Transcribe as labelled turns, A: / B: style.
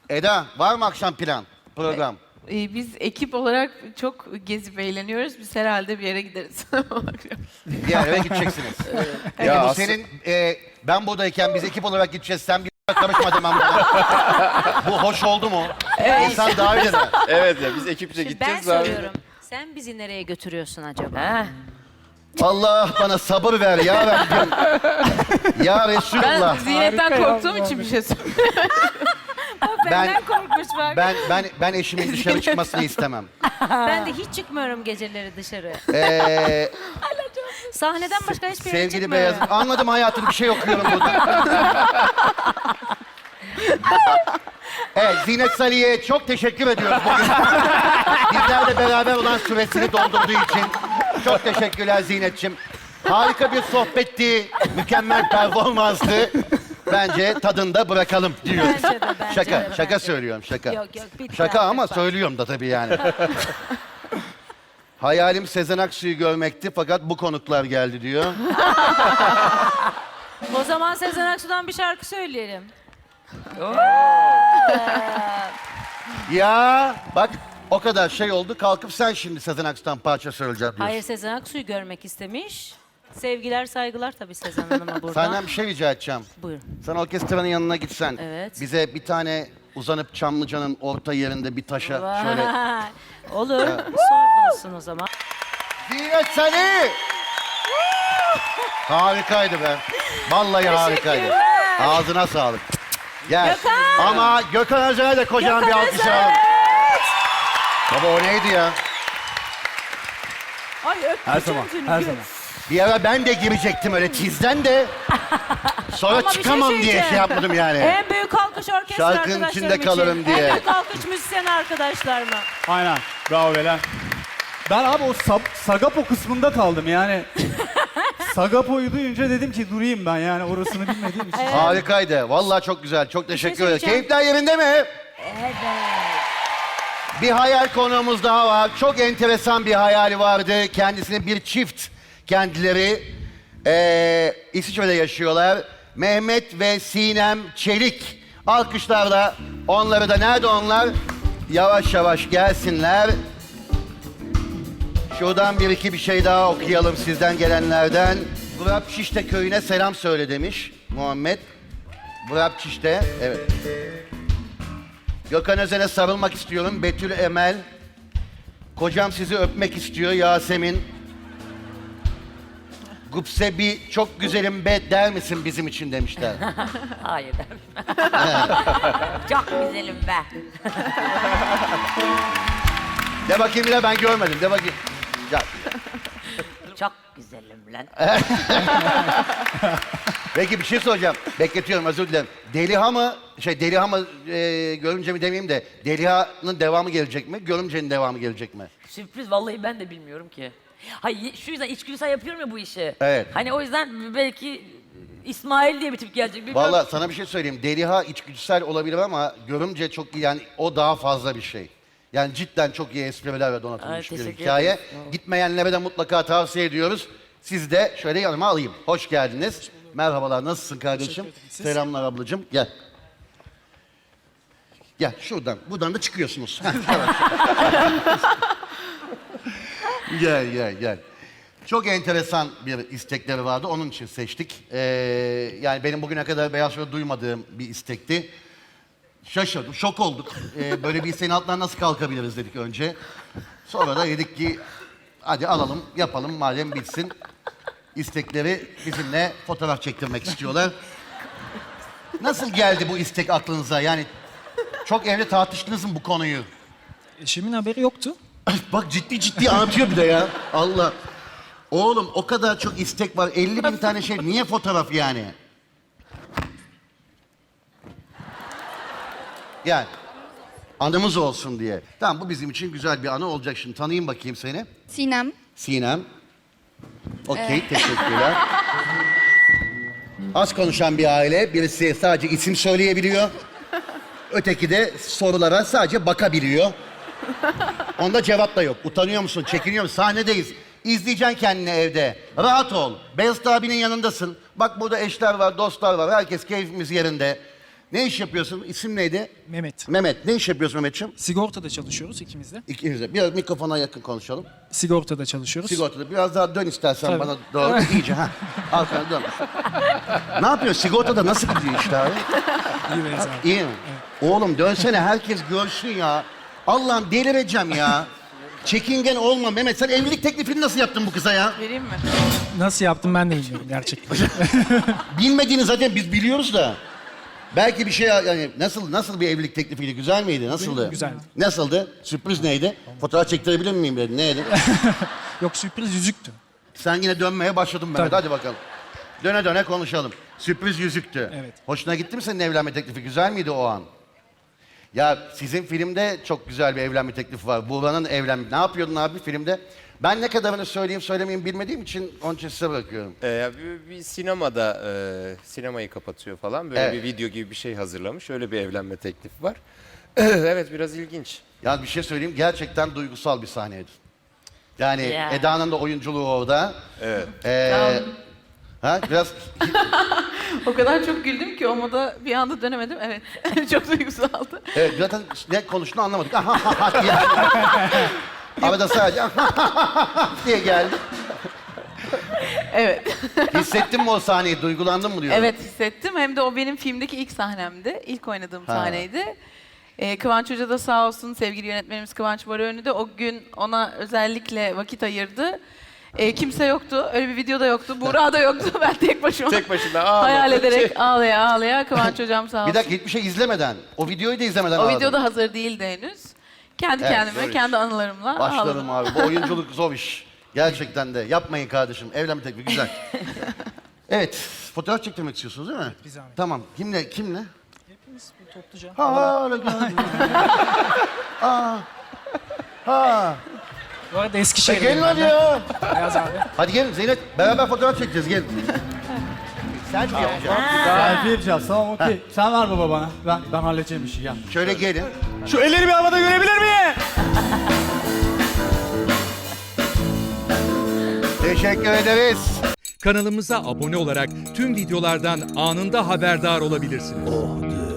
A: Eda, var mı akşam plan, program?
B: Biz ekip olarak çok gezip eğleniyoruz. Biz herhalde bir yere gideriz.
A: Bir eve gideceksiniz. Peki
C: Ya
A: bu
C: aslında-
A: senin, ben biz ekip olarak gideceğiz, sen bir karışma demem buna. Bu hoş oldu mu? İnsan davet eder.
C: Evet ya biz ekipçe
D: Ben
C: gideceğiz abi.
D: soruyorum. Sen bizi nereye götürüyorsun acaba?
A: Allah bana sabır ver ya Rabbim. Ya
B: Ben
A: Resulullah.
B: ziynetten korktuğum için bir şey söylüyorum.
D: Benden korkmuş bak.
A: Ben eşimin dışarı çıkmasını istemem.
D: Ben de hiç çıkmıyorum geceleri dışarı.
A: Ee,
D: Sahneden başka hiçbir yere
A: sevgili
D: çıkmıyorum.
A: Beyaz, anladım hayatım, bir şey okuyorum burada. Evet, Zinet Salih'e çok teşekkür ediyoruz bugün. Bizlerle beraber olan süresini doldurduğu için. Çok teşekkürler Zinet'ciğim. Harika bir sohbetti, mükemmel performanstı. Bence tadında bırakalım diyoruz.
D: Bence de, bence de,
A: Şaka
D: bence.
A: söylüyorum, şaka.
D: Yok, bitti
A: Şaka
D: artık
A: ama
D: bak.
A: söylüyorum da tabii yani. Hayalim Sezen Aksu'yu görmekti fakat bu konuklar geldi diyor.
D: O zaman Sezen Aksu'dan bir şarkı söyleyelim.
A: Ya bak o kadar şey oldu, kalkıp sen şimdi Sezen Aksu'dan parça söyleyeceğim diyorsun.
D: Hayır, Sezen Aksu'yu görmek istemiş. Sevgiler, saygılar tabii Sezen Hanım'a buradan.
A: Senden bir şey rica edeceğim.
D: Buyurun.
A: Sen orkestranın yanına gitsen,
D: Evet.
A: bize bir tane uzanıp Çamlıca'nın orta yerinde bir taşa şöyle...
D: Vay. Olur. Son olsun o zaman.
A: Zinet Salih! Harikaydı be. Vallahi harikaydı. Ağzına sağlık. Gel.
D: Gökhan!
A: Ama Gökhan Özen'e de kocaman bir
D: Gökhan
A: alkış
D: Özen!
A: alalım. Baba o neydi ya?
D: Ay öptüm
E: Her zaman, her zaman.
A: Bir ara ben de girecektim öyle tizden de. Sonra
D: Ama bir şey
A: çıkamam diye
D: söyleyeceğim.
A: şey yapmadım yani.
D: En büyük alkış orkestra
A: Şarkının
D: arkadaşlarım
A: içinde
D: için.
A: kalırım diye.
D: En büyük alkış müzisyen arkadaşlarıma.
E: Aynen. Bravo beyler. Ben abi o Sagapo kısmında kaldım yani. Sagapo'yu duyunca dedim ki durayım ben yani orasını bilmediğim için.
A: Harikaydı. Vallahi çok güzel. Çok teşekkür ederim.
D: söyleyeceğim.
A: Keyifler yerinde mi?
D: Evet.
A: Bir hayal konuğumuz daha var. Çok enteresan bir hayali vardı. Kendisinin bir çift kendileri. İsviçre'de yaşıyorlar. Mehmet ve Sinem Çelik. Alkışlarla onları da, nerede onlar? Yavaş yavaş gelsinler. Şuradan bir iki bir şey daha okuyalım sizden gelenlerden. Vrapçişte köyüne selam söyle demiş Muhammed. Vrapçişte, evet. Gökhan Özen'e sarılmak istiyorum. Betül Emel. Kocam sizi öpmek istiyor Yasemin. Gupse bir çok güzelim be der misin bizim için demişler.
D: Hayır derim. Çok güzelim be.
A: De bakayım bile, ben görmedim. De bakayım. Ya,
D: Çok güzelim lan.
A: peki bir şey soracağım. Bekletiyorum, özür dilerim. Deliha mı, Görümce mi demeyeyim de, Deliha'nın devamı gelecek mi? Görümce'nin devamı gelecek mi?
F: Sürpriz, vallahi ben de bilmiyorum ki. Hayır, şu yüzden içgüdüsel yapıyorum ya bu işi.
A: Evet.
F: Hani o yüzden belki İsmail diye bir tip gelecek. Bilmiyorum.
A: Vallahi sana bir şey söyleyeyim. Deliha içgüdüsel olabilir ama Görümce çok iyi, yani o daha fazla bir şey. Yani cidden çok iyi esprilerle donatılmış
F: Ay,
A: bir
F: teşekkür
A: hikaye.
F: ederiz.
A: Gitmeyenlere de mutlaka tavsiye ediyoruz. Siz de şöyle yanıma alayım. Hoş geldiniz. Merhabalar, nasılsın kardeşim? Selamlar ablacığım. Gel. Gel şuradan. Buradan da çıkıyorsunuz. Heh, yavaş. Gel. Çok enteresan bir istekleri vardı. Onun için seçtik. Yani benim bugüne kadar Beyaz Show'da duymadığım bir istekti. Şaşırdım, şok olduk. Böyle bir isteğin altından nasıl kalkabiliriz dedik önce. Sonra da dedik ki hadi alalım, yapalım madem bitsin. İstekleri bizimle fotoğraf çektirmek istiyorlar. Nasıl geldi bu istek aklınıza? Yani çok evde tartıştınız mı bu konuyu?
G: Eşimin haberi yoktu.
A: Bak ciddi anlatıyor bir de ya. Allah. Oğlum o kadar çok istek var. 50 bin tane şey. Niye fotoğraf yani? Yani anımız olsun diye. Tamam, bu bizim için güzel bir anı olacak. Şimdi tanıyayım bakayım seni.
H: Sinem.
A: Sinem. Okey, teşekkürler. Az konuşan bir aile. Birisi sadece isim söyleyebiliyor. Öteki de sorulara sadece bakabiliyor. Onda cevap da yok. Utanıyor musun? Çekiniyor musun? Sahnedeyiz. İzleyeceksin kendini evde. Rahat ol. Beyazıt abinin yanındasın. Bak burada eşler var, dostlar var. Herkes keyfimiz yerinde. Ne iş yapıyorsun? İsim neydi?
G: Mehmet.
A: Mehmet. Ne iş yapıyorsun Mehmetciğim?
G: Sigortada çalışıyoruz ikimiz de.
A: İkiniz de. Biraz mikrofona yakın konuşalım.
G: Sigortada çalışıyoruz.
A: Sigortada. Biraz daha dön istersen
G: Tabii.
A: bana doğru. İyice. Ha. Arkana dön. Ne yapıyorsun? Sigortada nasıl gidiyor işte abi?
G: İyi Beyaz abi.
A: İyi mi? Oğlum dönsene herkes görsün ya. Allah'ım delireceğim ya. Çekingen olma Mehmet. Sen evlilik teklifini nasıl yaptın bu kıza ya?
B: Vereyim mi?
G: Nasıl yaptım ben de bilmiyorum gerçekten.
A: Bilmediğini zaten biz biliyoruz da. Belki bir şey yani nasıl bir evlilik teklifiydi? Güzel miydi? Nasıldı?
G: Güzeldi.
A: Nasıldı? Sürpriz neydi? Fotoğraf çektirebilir miyim dedi. Neydi?
G: Yok sürpriz yüzüktü.
A: Sen yine dönmeye başladın Mehmet.
G: Tabii.
A: Hadi bakalım. Döne döne konuşalım. Sürpriz yüzüktü.
G: Evet.
A: Hoşuna gitti mi senin evlenme teklifi? Güzel miydi o an? Ya sizin filmde çok güzel bir evlenme teklifi var. Buğra'nın evlenme... Ne yapıyordun abi filmde? Ben ne kadarını söyleyeyim söylemeyeyim bilmediğim için onun için size bırakıyorum.
C: Bir sinemada sinemayı kapatıyor falan. Böyle
A: Evet.
C: bir video gibi bir şey hazırlamış. Öyle bir evlenme teklifi var. Evet biraz ilginç.
A: Ya bir şey söyleyeyim gerçekten duygusal bir sahneydi. Yani
F: Ya.
A: Eda'nın da oyunculuğu orada.
C: Evet.
A: Ha biraz
B: O kadar çok güldüm ki o moda bir anda dönemedim. Evet. Çok duygusaldı.
A: evet, zaten ne konuştuğunu anlamadık. diye. Arada sadece diye geldi.
B: Evet.
A: Hissettin mi o sahneyi? Duygulandın mı diyorum.
B: Evet hissettim. Hem de o benim filmdeki ilk sahnemdi. İlk oynadığım
A: Ha.
B: sahneydi. Kıvanç Hoca da sağ olsun, sevgili yönetmenimiz Kıvanç Barıönlü de o gün ona özellikle vakit ayırdı. Kimse yoktu, öyle bir video da yoktu, Buğra da yoktu. Ben tek başıma
C: Tek başına ağladı.
B: hayal ederek ağlaya ağlaya Kıvanç Hocam sağ olsun.
A: Bir dakika hiçbir şey izlemeden, o videoyu da izlemeden
B: O
A: ağladın.
B: video da hazır değildi henüz. Kendi
A: Evet,
B: kendime,
A: zor iş.
B: kendi anılarımla
A: Başlarım
B: ağladım.
A: abi. Bu oyunculuk zor iş. Gerçekten de. Yapmayın kardeşim. Evlenme teklifi güzel. Evet. Fotoğraf çektirmek istiyorsunuz değil mi?
G: Bir zahmet.
A: Tamam. Kimle? Kimle?
G: Hepimiz bir topluca.
A: Ha, öyle geldi. Ha.
G: Bu arada Eskişehir'deyim
A: Gelin
G: ben
A: hadi
G: de.
A: ya.
G: Beyaz abi.
A: Hadi gelin Zeynep. Beraber fotoğraf çekeceğiz. Gelin. Selfie yapacağız.
E: Selfie yapacağız. Tamam okey. Sen ver baba bana. Ben halledeceğim işi gel.
A: Şöyle gelin.
E: Şu elleri bir havada görebilir miyim?
A: Teşekkür ederiz.
H: Kanalımıza abone olarak tüm videolardan anında haberdar olabilirsiniz.